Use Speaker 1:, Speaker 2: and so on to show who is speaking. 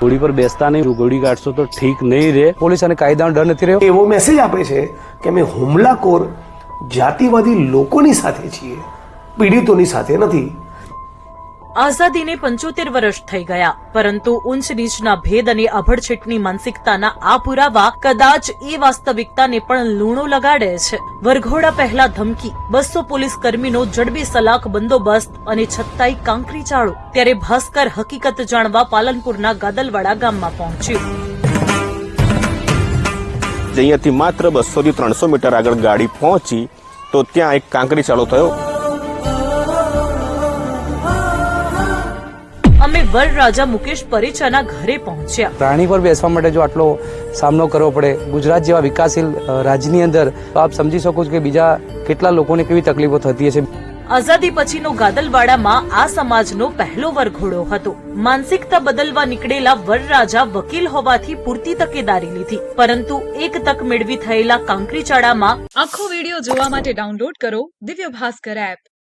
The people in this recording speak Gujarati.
Speaker 1: ઘોડી પર બેસતા નહીં, ઘોડી કાઢશો તો ઠીક નહીં રહે. પોલીસ અને કાયદાનો ડર નથી રહ્યો.
Speaker 2: એવો મેસેજ આપે છે કે અમે હુમલાખોર જાતિવાદી લોકોની સાથે છીએ, પીડિતોની સાથે નથી.
Speaker 3: આઝાદીને 75 વર્ષ થઈ ગયા, પરંતુ ઊંચ નીચના ભેદ અને અભડછેટની માનસિકતાના આ પુરાવા કદાચ એ વાસ્તવિકતાને પણ લૂણો લગાડે છે. વરઘોડા પહેલા ધમકી, 200 પોલીસ કર્મીનો જડબે સલાખ બંદોબસ્ત અને છતાંય કાંકરી ચાળો. ત્યારે ભાસ્કર હકીકત જાણવા પાલનપુરના ગાદલવાડા ગામમાં પહોંચ્યું.
Speaker 4: અહીંયાથી માત્ર 200 થી 300 મીટર આગળ ગાડી પહોંચી તો ત્યાં એક કાંકરી ચાલુ થયો.
Speaker 3: અમે વરરાજા મુકેશ પરેચાના ઘરે પહોંચ્યા.
Speaker 1: પ્રાણી પર બેસવા માટે જો આટલો સામનો કરવો પડે ગુજરાત જેવા વિકાસશીલ રાજ્યની અંદર, તો આપ સમજી શકો છો કે બીજા કેટલા લોકોને કેવી તકલીફો થતી હશે.
Speaker 3: આઝાદી પછીનો ગાદલવાડામાં આ સમાજનો પહેલો વરઘોડો હતો. માનસિકતા બદલવા નીકળેલા વરરાજા વકીલ હોવાથી પૂરતી તકેદારી લીધી, પરંતુ એક તક મેળવી થયેલા કાંકરીચાળામાં
Speaker 5: આખો વિડીયો જોવા માટે ડાઉનલોડ કરો દિવ્ય ભાસ્કર એપ.